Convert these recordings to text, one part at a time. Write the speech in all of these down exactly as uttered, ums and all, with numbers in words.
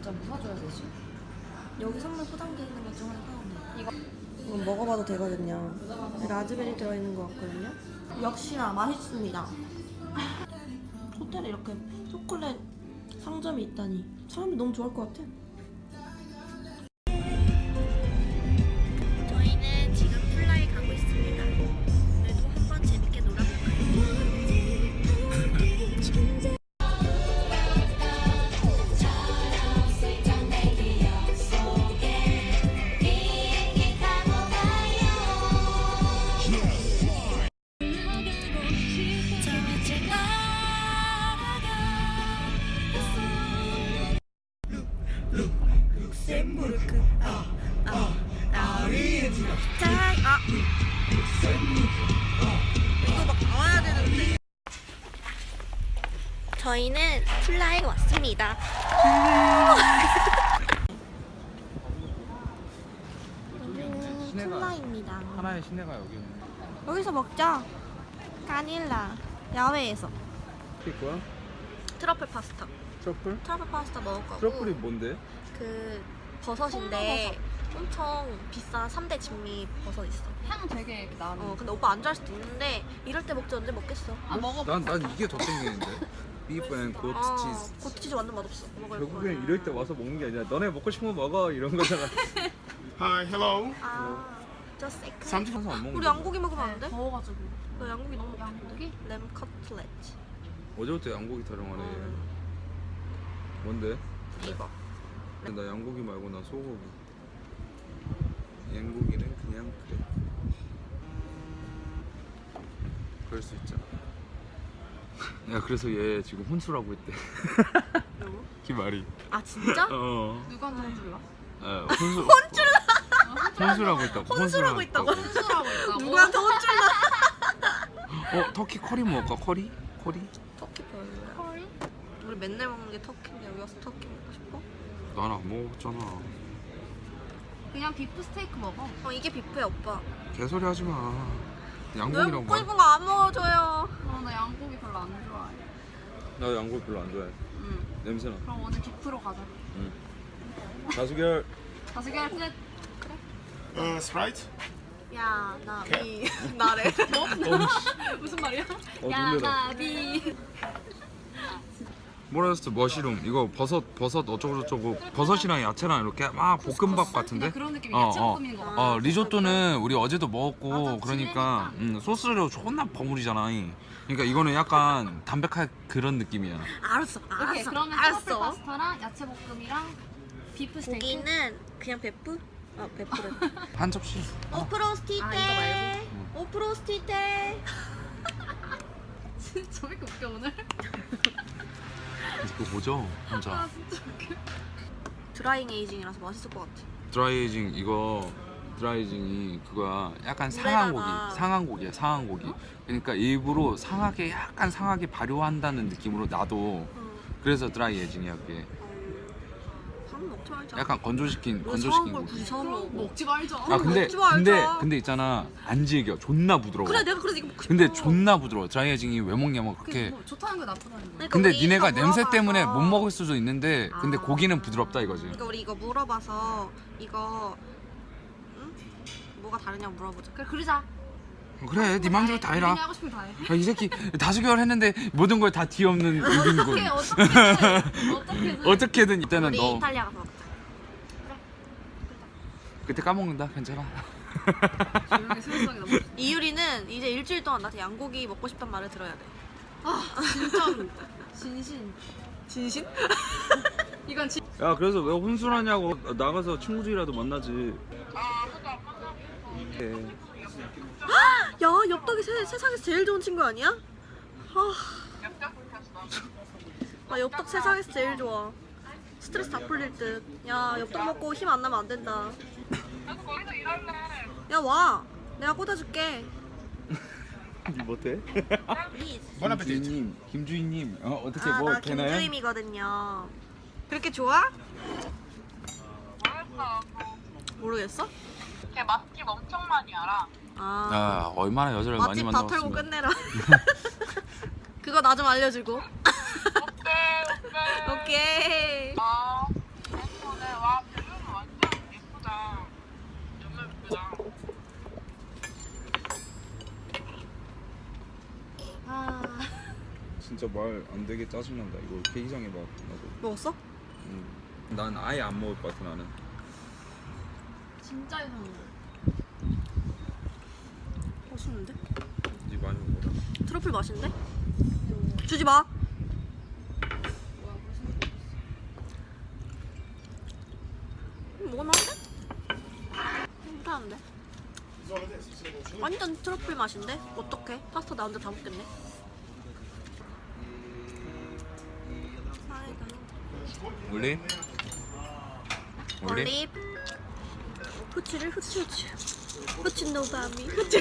진짜 뭐 사줘야 되지? 여기 선물 포장돼 있는 것 중 하나 사오네. 이거 이건 먹어봐도 되거든요. 라즈베리 들어있는 것 같거든요. 역시나 맛있습니다. 호텔에 이렇게 초콜릿 상점이 있다니 사람이 너무 좋아할 것 같아. 저희는 지금 플라이 가고 있습니다. 오늘도 한번 재밌게 놀아볼까요? 룩셈부르크 아, 아, 아르헨티나 아 이거 막 나와야 되는데. 저희는 플라이에 왔습니다. 여기는 플라이입니다. 하나의 시내가 여기 있네. 여기서 먹자. 까닐라 야외에서 이게 뭐야? 트러플 파스타. 트러플? 트러플 파스타 먹을 거고. 트러플이 뭔데? 그 버섯인데 엄청 비싼 삼 대 진미 버섯 있어. 향 되게 이렇게 나는. 어 근데 오빠 안 좋아할 수도 있는데 이럴 때 먹지 언제 먹겠어. 아 먹어봐. 난, 난 이게 더 땡기는데. 비프 앤 고트 아, 치즈. 고트치즈 완전 맛없어. 먹을 결국엔 거야. 이럴 때 와서 먹는 게 아니라 너네 먹고 싶은 거 먹어 이런 거잖아. Hi, hello. 아, just say 그 삼십 분안 먹는 우리 거. 양고기 먹으면 안 돼? 더워가지고. 나 양고기 너무 먹고 싶은데. 양고기? 램 커틀렛. 어제부터 양고기 타령하네. 음. 뭔데? 이거. 나 양고기 말고 나 소고기. 양고기는 그냥 그래. 그럴 수 있잖아. 야 그래서 얘 지금 혼수라고 했대. 누구? 기말이. 아 진짜? 어. 누구한테 혼줄라? 어 혼수. 혼술라. 혼수라고 했다고. 혼수라고 했다고? 혼술하고 있다고? 누구한테 혼쭐나? 어 터키 커리 먹을까? 커리? 커리? 터키 별로야. 커리? 우리 맨날 먹는 게 터키인데 여기 와서 터키 먹고 싶어? 난 안 먹었잖아. 그냥 비프 스테이크 먹어. 어 이게 뷔페야 오빠. 개소리 하지 마. 왜 양고기라고 먹고 말. 싶은 거 안 먹어줘요. 어, 나 양고기 별로 안 좋아해. 나 양고기 별로 안 좋아해. 응. 냄새나. 그럼 오늘 비프로 가자. 응. 다수결. 다섯 개 플랫. Uh, Sprite. 야 나비 나래. 무슨 말이야? 어 야, 놀래라. 나비. 뭐라 했어? 머시룸. 이거 버섯 버섯 어쩌고 저쩌고 버섯이랑 야채랑 이렇게 막 볶음밥 같은데? 그런 느낌이 어, 야채 어. 볶음인 거 같아. 어 리조또는 우리 어제도 먹었고 맞아, 그러니까 음, 소스로 존나 버무리잖아. 그러니까 이거는 약간 담백한 그런 느낌이야. 알았어 오케이, 알았어 그러면 트러플 알았어. 파스타랑 야채 볶음이랑 비프 스테이크. 고기는 그냥 베프? 아 베프래. 한 접시. 오 프로스티테. 아, 이거 말고? 오 프로스티테. 진짜 왜 이렇게 웃겨 오늘? 그거 뭐죠? 혼자. 아 진짜 웃겨. 드라잉 에이징이라서 맛있을 것 같아. 드라이에이징 이거 드라이에이징이 그거야. 약간 상한 고기, 물에다가. 상한 고기야, 상한 고기. 그러니까 일부러 상하게 약간 상하게 발효한다는 느낌으로 놔도 응. 그래서 드라이에이징이야 그게. 밥 먹지 말자. 약간 건조시킨 왜 건조시킨 사온 걸 고기. 굳이 사온 그럼 거고. 먹지 말자. 아 근데 먹지 말자. 근데 근데 있잖아 안 질겨 존나 부드러워. 그래 내가 그래서 이거 먹고 싶어. 근데 존나 부드러워. 드라이에이징이 왜 먹냐면 그게 그렇게. 뭐 좋다는 거 나쁘다는 거. 그러니까 근데 우리 니네가 이거 냄새 물어봐서. 때문에 못 먹을 수도 있는데 근데 아. 고기는 부드럽다 이거지. 그러니까 우리 이거 물어봐서 이거 응? 뭐가 다르냐고 물어보자. 그래 그러자. 그래 네 맘대로 다 해라. 본인이 하고 싶은 거 다 해. 아, 이 새끼 다수결 했는데 모든 걸 다 뒤엎는 우빈군. 어떻게 어떻게든 어떻게든. 어떻게든 이때는 우리 너 이탈리아 가서 먹자. 그때 까먹는다 괜찮아. 조용히 스무스하게 넘어. 이유리는 이제 일주일 동안 나한테 양고기 먹고 싶단 말을 들어야 돼. 아 진짜로. 진신. 진심? 이건 진. 야 그래서 왜 혼술하냐고. 나가서 친구들이라도 만나지. 네. 야 엽떡이 세, 세상에서 제일 좋은 친구 아니야? 아, 아 엽떡 세상에서 제일 좋아. 스트레스 다 풀릴 듯. 야 엽떡 먹고 힘 안 나면 안 된다. 야 와. 내가 꽂아줄게. 니 못해? 플리즈. Bon appetit. 김주인님, 김주인님 어, 어떻게 아, 뭐 나 되나요? 김주임이거든요. 그렇게 좋아? 모르겠어? 걔 맛집 엄청 많이 알아. 아, 아 얼마나 여자를 많이 맛집 다 털고 만나봤으면. 끝내라. 그거 나 좀 알려주고. 오케이, 오케이. 오케이. 어. 말 안 되게 짜증난다. 이거 이렇게 이상해 봐. 나도. 먹었어? 음. 난 아예 안 먹을 것 같아 나는. 진짜 이상해. 맛있는데? 네 많이 먹어라. 트러플 맛있는데? 주지 마. 음, 먹을만한데? 괜찮은데? 완전 트러플 맛인데? 어떡해? 파스타 나 혼자 다 먹겠네. 사이다. 올리? 올리? 올립. 후추를 후추 후추. 후추 노바미. 후추.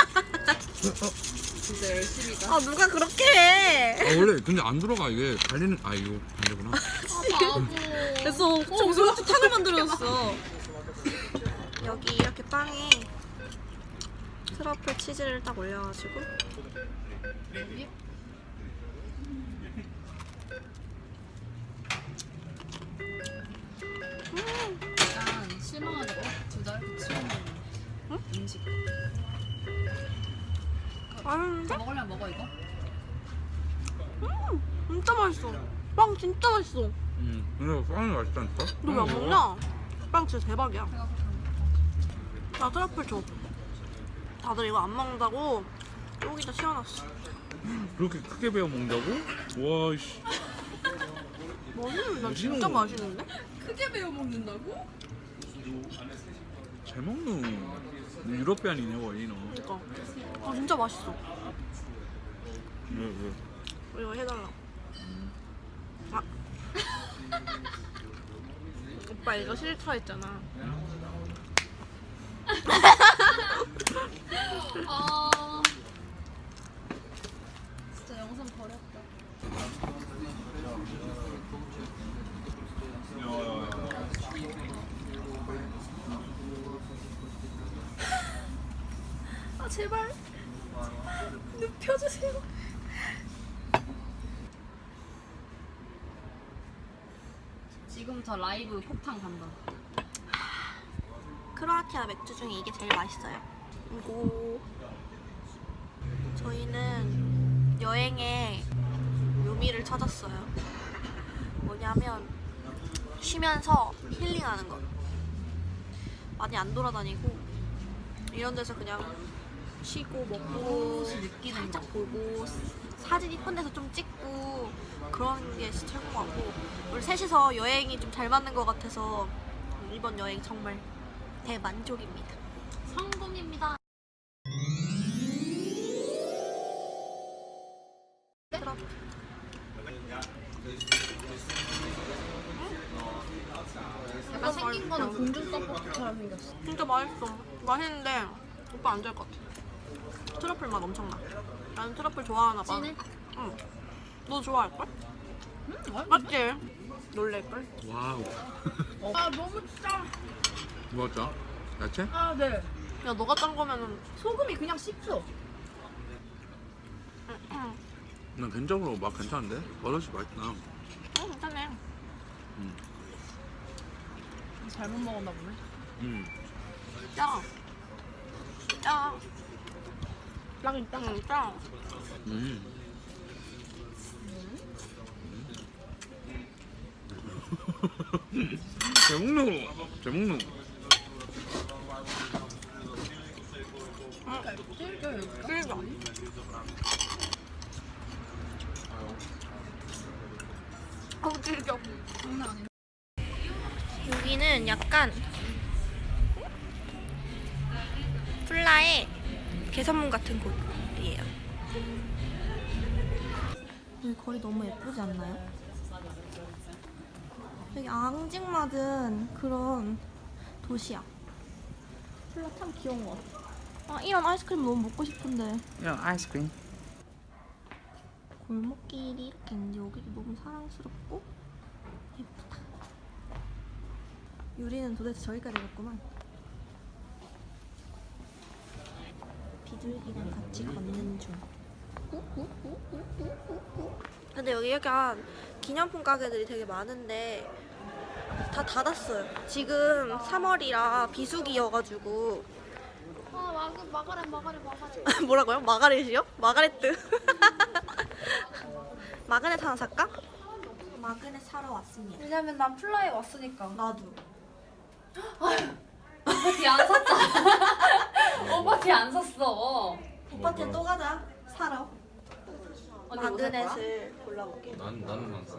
진짜 열심히 가. 아 누가 그렇게 해? 아 원래 근데 안 들어가 이게 달리는 아 이거 안 되구나. 바보. 그래서 정수 후추 탕을 만들어줬어. 여기 이렇게 빵에 트러플 치즈를 딱 올려가지고 여기? 약간 실망하지 마. 두달 치우는 응? 음식. 맛있는데? 다 먹으려면 먹어 이거. 음, 진짜 맛있어. 빵 진짜 맛있어. 음 근데 빵이 맛있다니까? 너 왜 안 먹냐? 빵 진짜 대박이야. 배가 고파. 나 트러플 줘. 다들 이거 안 먹는다고 여기다 씌워놨어. 그렇게 크게 베어 먹는다고? 와씨. 맛있는데? 나 진짜 맛있는데? 크게 배워 먹는다고? 잘 먹는 유럽비안이네 원이 너. 그니까. 아 진짜 맛있어. 왜 왜? 이거 해달라. 아. 오빠 이거 싫다 했잖아. 아. 진짜 영상 버렸다. 아 제발. 눕혀주세요. 지금 저 라이브 폭탄 간다. 크로아티아 맥주 중에 이게 제일 맛있어요. 이거 저희는 여행의 묘미를 찾았어요. 뭐냐면 쉬면서 힐링하는 거. 많이 안 돌아다니고 이런 데서 그냥 쉬고 먹고 느끼는 살짝 거. 보고 사진 이쁜 데서 좀 찍고 그런 게 진짜 최고 같고 우리 셋이서 여행이 좀 잘 맞는 것 같아서 이번 여행 정말 대만족입니다. 성공입니다. 그럼 약간 생긴 거는 공중 떡볶이처럼 생겼어. 진짜 맛있어. 맛있는데 오빠 안 좋아할 것 같아. 트러플 맛 엄청나. 나는 트러플 좋아하나 봐. 진해? 응. 너 좋아할걸? 음, 맛있어. 맞지? 놀랄걸? 와우. 아 너무 짜. 뭐였죠? 야채? 아 네. 야 너가 짠 거면은 소금이 그냥 씹혀. 난 개인적으로 맛 괜찮은데? 버섯이 맛있다. 응 괜찮네. 음. 잘못 먹었나 보네. 음. 짜. 짜. 랑이 짜. 응 짜. 음. 잘 먹노. 잘 먹노. 그러니까. 어우 질겨. 장난 아니야. 여기는 약간 플라의 개선문 같은 곳이에요. 여기 거리 너무 예쁘지 않나요? 되게 앙증맞은 그런 도시야. 플라 참 귀여운 것 같아. 아 이런 아이스크림 너무 먹고 싶은데. 야 아이스크림. 골목길이 이렇게 있는데 여기도 너무 사랑스럽고 예쁘다. 유리는 도대체 저기까지 갔구만. 비둘기랑 같이 걷는 중. 근데 여기 약간 기념품 가게들이 되게 많은데 다 닫았어요. 지금 삼월이라 비수기여가지고. 아 마그 마가렛 마가렛 마가렛. 뭐라고요? 마가렛이요? 마가렛트. 마그넷 하나 살까? 마그넷 사러 왔습니다. 왜냐면 난 플라에 왔으니까. 나도. 오빠 뒤 안 샀잖아. 오빠 뒤 안 샀어. 오빠 테 또 가자. 사러. 언니 뭐살 거야? 마그넷을 골라볼게. 난 나는 안 써.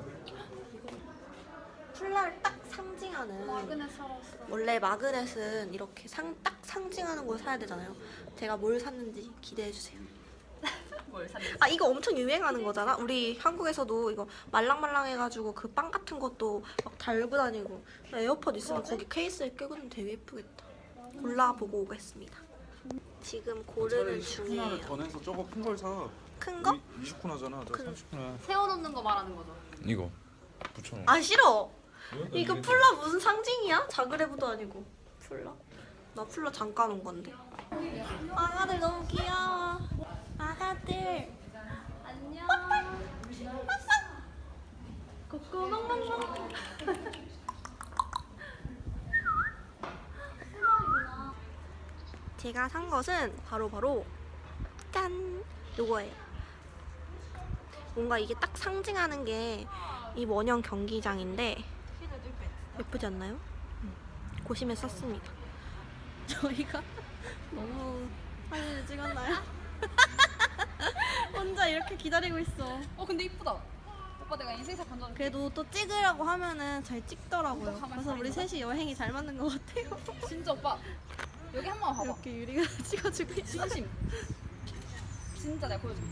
플라를 딱 상징하는. 마그넷 사러 왔어. 원래 마그넷은 이렇게 상, 딱 상징하는 걸 사야 되잖아요. 제가 뭘 샀는지 기대해 주세요. 뭘 샀는지. 아 이거 엄청 유행하는 거잖아. 우리 한국에서도 이거 말랑말랑해가지고 그 빵 같은 것도 막 달고 다니고 에어팟 있으면 거기 케이스에 끼고 다니면 되게 예쁘겠다. 골라보고 오겠습니다. 지금 고르는 중이에요. 더 내서 저거 큰 걸 사. 큰 거? 이십 쿠나잖아. 저 큰- 삼십 쿠나. 세워놓는 거 말하는 거죠. 이거. 붙여놓은. 아 싫어. 이거 풀라 무슨 상징이야? 자그레브도 아니고 풀라? 나 풀라 잠깐 온 건데. 아가들 너무 귀여워. 아가들. 안녕. 꼬꼬멍멍멍. 제가 산 것은 바로 바로 짠! 요거예요. 뭔가 이게 딱 상징하는 게 이 원형 경기장인데 예쁘지 않나요? 고심해 샀습니다. 저희가 너무 사진을 찍었나요? 혼자 이렇게 기다리고 있어. 어 근데 이쁘다. 오빠 내가 인생샷 건져. 그래도 또 찍으라고 하면은 잘 찍더라고요. 그래서 우리 셋이 여행이 잘 맞는 것 같아요. 진짜 오빠 여기 한 번 봐봐. 이렇게 유리가 찍어주고 있어. 진심. 진짜 내가 보여줄게.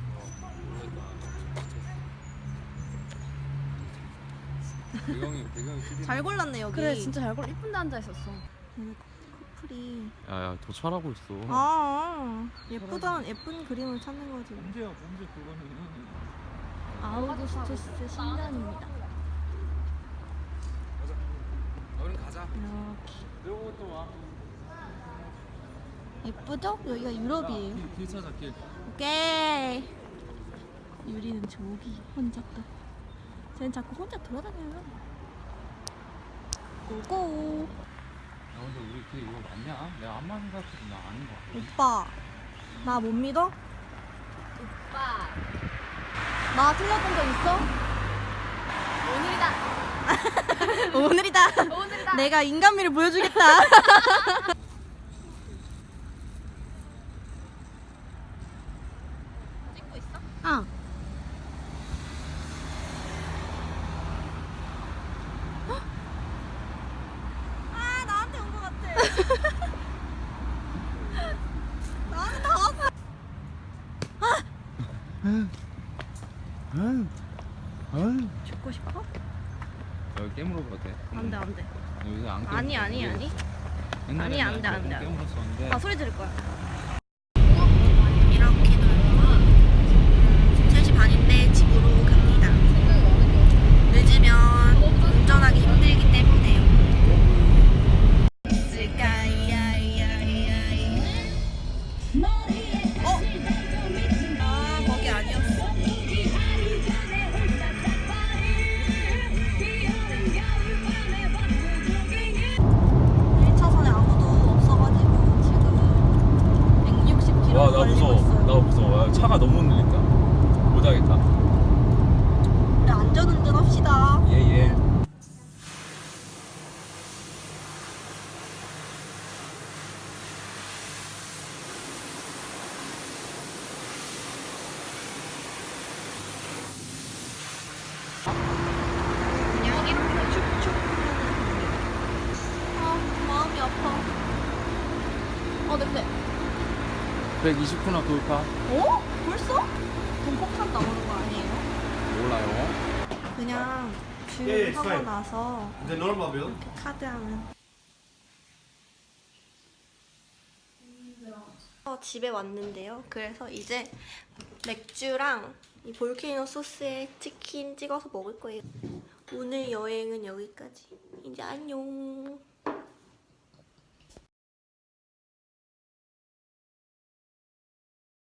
배경이 배경이 휴대. 잘 골랐네 여기. 그래 진짜 잘 골라. 이쁜데 앉아 있었어. 커플이. 야야 도찰하고 있어. 아 예쁘다 예쁜 그림을 찾는 거지. 문제야 문제 그거는. 아우구스투스 신전입니다. 우린 가자. 이것도 와. 예쁘죠? 여기가 유럽이에요. 길 찾아 길. 오케이. 유리는 저기 혼자 또. 쟤는 자꾸 혼자 돌아다녀요. 고고. 야 근데 우리 그 이거 맞냐? 내가 안마 생각해도 나 아닌 거 같아. 오빠 나 못 믿어? 오빠 나 틀렸던 적 있어? 오늘이다. 오늘이다. 오늘이다. 내가 인간미를 보여주겠다. 찍고 있어? 응. 아 나한테 온 것 같아. 나한테 다 왔어. 죽고 싶어? 여기 깨물어 봐도 돼? 안돼 안돼. 여기 안 깨물어. 아니 아니 아니. 옛날에 아니, 안 돼, 안 돼, 안 돼. 깨물었었는데. 나 소리 들을 거야. 이렇게 놀고 세 시 반인데 집으로 갑니다. 늦으면 운전하기 힘들기 때문에요. 어? 아 거기 아니었어. 일 차선에 아무도 없어가지고 지금 백육십 킬로미터 와 나 달리고 무서워. 있어요. 나 무서워. 야, 차가 너무 흔들린다. 못하겠다. 우리 안전운전 합시다. 예예. 그냥 이렇게 축축 아 마음이 아파. 어 냄새. 백이십 쿠나 돌파. 어? 벌써? 동폭탄 나오는 거 아니에요? 몰라요. 그냥 예, 예, 주유하고 fine. 나서 The normal bill. 카드하면 어, 집에 왔는데요. 그래서 이제 맥주랑 이 볼케이노 소스에 치킨 찍어서 먹을 거예요. 오늘 여행은 여기까지. 이제 안녕.